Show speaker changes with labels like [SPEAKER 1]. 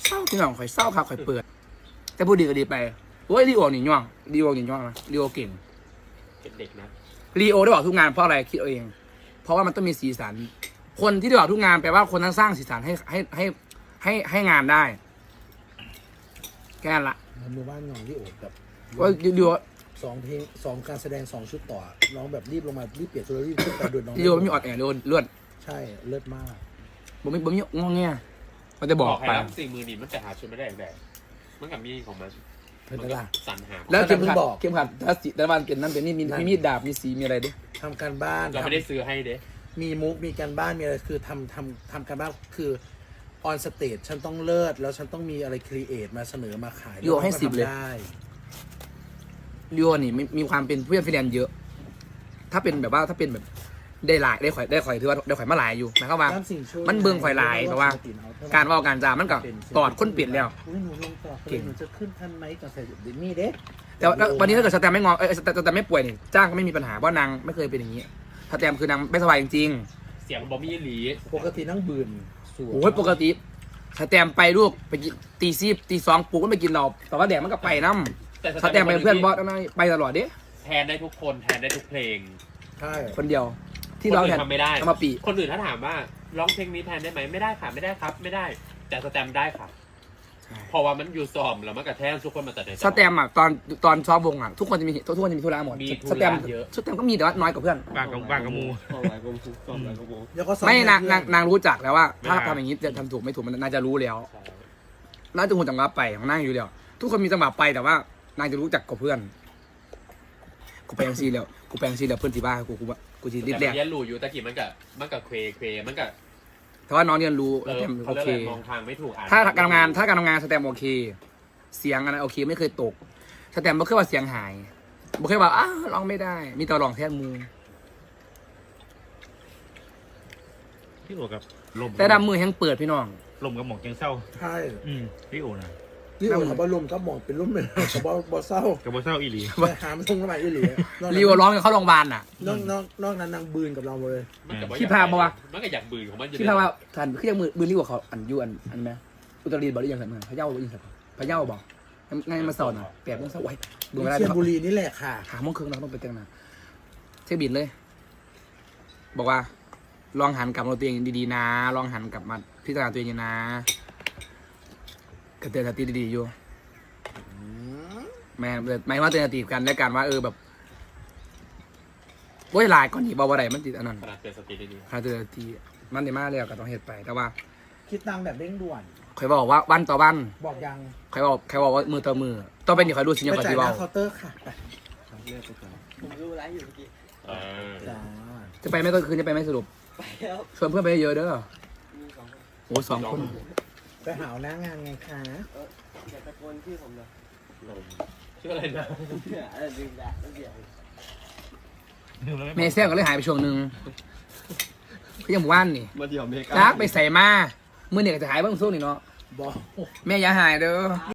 [SPEAKER 1] เศร้าพี่น้องข่อยเศร้าครับข่อยเปิดแต่พูดดีก็ดีไปโอ้ยลีโอนี่ย่องลีโอนี่ย่องนะลีโอเก่ง
[SPEAKER 2] เป็นเด็กนะ
[SPEAKER 1] ลีโอได้บอกทุกงานเพราะอะไรคิดเอาเอง เพราะว่ามันต้องมีสีสัน คนที่ได้บอกทุกงานแปลว่าคนนั้นสร้างสีสันให้งานได้แค่นั้นละ
[SPEAKER 3] มันมือบ้านน้องที่โอบแบบ
[SPEAKER 1] ว่าลีโอ
[SPEAKER 3] 2 เพลง 2 การแสดง 2 ชุดต่อน้องแบบรีบลงมารีบเปลี่ยนตัวรีบขึ้นไปโดยน้อง
[SPEAKER 1] ลีโอไม่มีออดแอร์เลื่อน
[SPEAKER 3] ใช่เลิศมาก
[SPEAKER 1] ผมมีงอแงมันจะบอก
[SPEAKER 2] ให้
[SPEAKER 1] ไป
[SPEAKER 2] รับ40,000นี่มันจะหาชุดไม่ได้อย่างใดมันกับมีของมัน
[SPEAKER 3] เป็นไงล่ะ
[SPEAKER 2] สรรหา
[SPEAKER 1] แล้วเข็มขัด
[SPEAKER 3] บอก
[SPEAKER 1] เข็มขัดถ้าสีแต่วันเป็นนั่นเป็นนี่มีมีดดาบมีสีมีอะไรด้วย
[SPEAKER 3] ทำการบ้าน
[SPEAKER 2] เราไม่ได้ซื้อให้เด้
[SPEAKER 3] มีมุกมีการบ้านมีอะไรคือทำการบ้านคือออนสเตจฉันต้องเลิศแล้วฉันต้องมีอะไรครีเอทมาเสนอมาขาย
[SPEAKER 1] ลีโอให้10เลย
[SPEAKER 3] ได้
[SPEAKER 1] ลีโอนี่มีความเป็นผู้เล่นฟิแลนซ์เยอะ ถ้าเป็นแบบว่าถ้าเป็นแบบได้หลายได้ข่อยถือว่าได้ข่อยมาหลายอยู่หมายความว่า
[SPEAKER 3] น้ำสิ่งช่วย
[SPEAKER 1] มันเบิ่งข่อยหลายเพราะว่า การเว่าการจามันก็ตอดคนเปลี่ยนแล้ว
[SPEAKER 3] อุ๊ยหนูลงต่อ
[SPEAKER 1] เก่ง
[SPEAKER 3] หนูจะขึ้นทันไหมกับใส่ดิมี่เด้
[SPEAKER 1] แต่ว่าวันนี้ถ้าเกิดสแตมไม่งอสแตมไม่ป่วยนี่จ้างก็ไม่มีปัญหาเพราะนางไม่เคยเป็นอย่างนี้สแตมคือนางไม่สบายจริง
[SPEAKER 2] เสียงบอมี่หลี
[SPEAKER 3] ปกตินั่งบืนสวย
[SPEAKER 1] ๆโอ้ยปกติสแตมไปลูกไปกินตี 2ปลุกก็ไปกินเราแต่ว่าแดดมันก็ไปน้ำสแตมเป็นเพื่อนบอสนั่นไปตลอดเด้
[SPEAKER 2] แทนได้ทุกคนแทนได้ทุกเพลง
[SPEAKER 3] ใช่
[SPEAKER 1] คนเดียว ที่
[SPEAKER 2] คน
[SPEAKER 1] ร้อง
[SPEAKER 2] อื่
[SPEAKER 1] แทน
[SPEAKER 2] นทำไม่ได้
[SPEAKER 1] เอามาปี
[SPEAKER 2] คนอื่นถ้าถามว่าร้องเพลงนี้แทนได้ไหมไม่ได้ค่ะไม่ได้ครับไม่ได้ แต่สแตมป์ได้ค่ะเพราะว่ามันอยู่ซ้อมแล้วมันกระแทกทุกคนมาแต่ใน
[SPEAKER 1] สแตมอ่ะตอนซ้อมวงอ่ะทุกคนจะมีทุกคนจะมีธุระหมด
[SPEAKER 2] มีธุ
[SPEAKER 1] สแต
[SPEAKER 2] ระ
[SPEAKER 1] ม
[SPEAKER 2] เยอะ
[SPEAKER 1] สแตมก็มีแต่ว่าน้อยกว่าเพื่อน
[SPEAKER 4] บางกับมู
[SPEAKER 3] แล้วก็ซ้อ
[SPEAKER 1] ไม่
[SPEAKER 3] ให้
[SPEAKER 1] นาง
[SPEAKER 3] เพื่อน
[SPEAKER 1] นางรู้จักแล้วว่า
[SPEAKER 4] ไม่
[SPEAKER 1] ถ้า
[SPEAKER 4] ได้
[SPEAKER 1] ทำอย่างนี้จะทำถูกไม่ถูกมันน่าจะรู้แล้ว
[SPEAKER 2] ใช่
[SPEAKER 1] น่าจะหูจังหวะไปของนางอยู่แล้วทุกคนมีจังหวะไปแต่ว่านางจะรู้จักกับเพื่อนกูไปยังซีแล้วเพื่อนที่บ้านกูจีรีบ
[SPEAKER 2] แต่
[SPEAKER 1] แร
[SPEAKER 2] มัน
[SPEAKER 1] ก
[SPEAKER 2] เรียนรู้อยู่ตะกี้มันกับเควมันกับ
[SPEAKER 1] แต่ว่าน้องเรียนรู้
[SPEAKER 2] เอ
[SPEAKER 1] ส
[SPEAKER 2] อ
[SPEAKER 1] แตม
[SPEAKER 2] เขา
[SPEAKER 1] โอ
[SPEAKER 2] เรียก
[SPEAKER 1] เค
[SPEAKER 2] อะไรมองทางไม่ถูกอ่าน
[SPEAKER 1] ถ้าการทำงานสแตมโอเค เสียงอะไรโอเคไม่เคยตกสแตมไม่เคยว่าเสียงหายไม่เคยว่าอ้าวร้องไม่ได้ มีแต่ร้องแทนมือ
[SPEAKER 4] พี่โอกับลม
[SPEAKER 1] แต่ดำมือยังเปิดพี่น้อง
[SPEAKER 4] ลมกับหมอกยังเศร้า
[SPEAKER 3] ใช่
[SPEAKER 4] พี่โอนะ
[SPEAKER 3] นี่โอ้เขาบอลมก็มองเป็นรุ่มเลยเขาบอเศร้า
[SPEAKER 4] กับบ่เศร้าอีหลี
[SPEAKER 3] ไปหาไม่ทงน้ำมันอีหลีนอก
[SPEAKER 1] รีวร้องกันเข้าโรงพยาบาลน่ะ
[SPEAKER 3] นอกนั้นนางบืนกับเราเลย
[SPEAKER 2] มันกับ
[SPEAKER 1] ที่พาปะวะ
[SPEAKER 2] มันก็อยากบืนของมันอยู่
[SPEAKER 1] ที่พาว่าทันคือยังมือรีวกว่าเขาอันยูอันไหมอุตรดิตถ์บอกหรือยังไงมึงพะเยาบอกยังไงพะเยาบอกไงมาสอนอ่ะ8 โมงเช้าไว้ดูไม่ได้
[SPEAKER 3] เชียงบุรีนี่แหละค่ะ
[SPEAKER 1] 5 โมงครึ่งเราต้องไปเตียงนะเช็คบินเลย บอกว่า ลองหันกลับมาตัวเองดีๆนะ ลองหันกลับมาพิจารณาตัวเองนะกระเตือนสติดีๆอยู่แม่ไม่ว่าเตือนสติกันและกันว่าแบบโอ้ยหลายก่อนหนีบอกว่าไรมันติดอันนั้น
[SPEAKER 2] ขนาดเป็นสติดี
[SPEAKER 1] ถ้าเตือนสติมันได้มากเลยก็ต้องเหตุไปแต่ว่า
[SPEAKER 3] คิดตังแบบเร่งด่วน
[SPEAKER 1] เคยบอกว่าวันต่อวัน
[SPEAKER 3] บอกยัง
[SPEAKER 1] ใครบอกว่ามือต่อมือต้องเป็นอย่างใครดูสิยัง
[SPEAKER 3] ไป
[SPEAKER 1] กับ
[SPEAKER 3] จ่าย
[SPEAKER 1] ที่
[SPEAKER 3] ห
[SPEAKER 1] ว่า
[SPEAKER 3] น้าเคาน์เตอร์ค่ะไป
[SPEAKER 5] ผมดูไลฟ์อยู่เมื่อกี้
[SPEAKER 2] ๆเออ
[SPEAKER 3] จ้า
[SPEAKER 1] จะไปไหมก็คืนจะไปไหมสรุป
[SPEAKER 5] ไปแล้ว
[SPEAKER 1] ชวนเพื่อนไปเยอะๆเด้อ
[SPEAKER 5] มี2 คน
[SPEAKER 1] โอ้2 คน
[SPEAKER 3] ไปหาหน้างานไงคะ
[SPEAKER 5] อย่าตะโกนชื่อผมเลย
[SPEAKER 2] ลมชื่ออะไรนะ
[SPEAKER 5] ลืมแล้วเดี๋ยว
[SPEAKER 1] เมย์แซงก็เลยหายไปช่วงหนึ่งก็ยังหมู่บ้านนี่
[SPEAKER 5] มาเดี๋ยวเมกา
[SPEAKER 1] จักไปใส่มามือเนี่ยก็จะหายบ้างช่วงนี้เนาะ
[SPEAKER 3] บอก
[SPEAKER 1] แม่อย่าหายเด้อ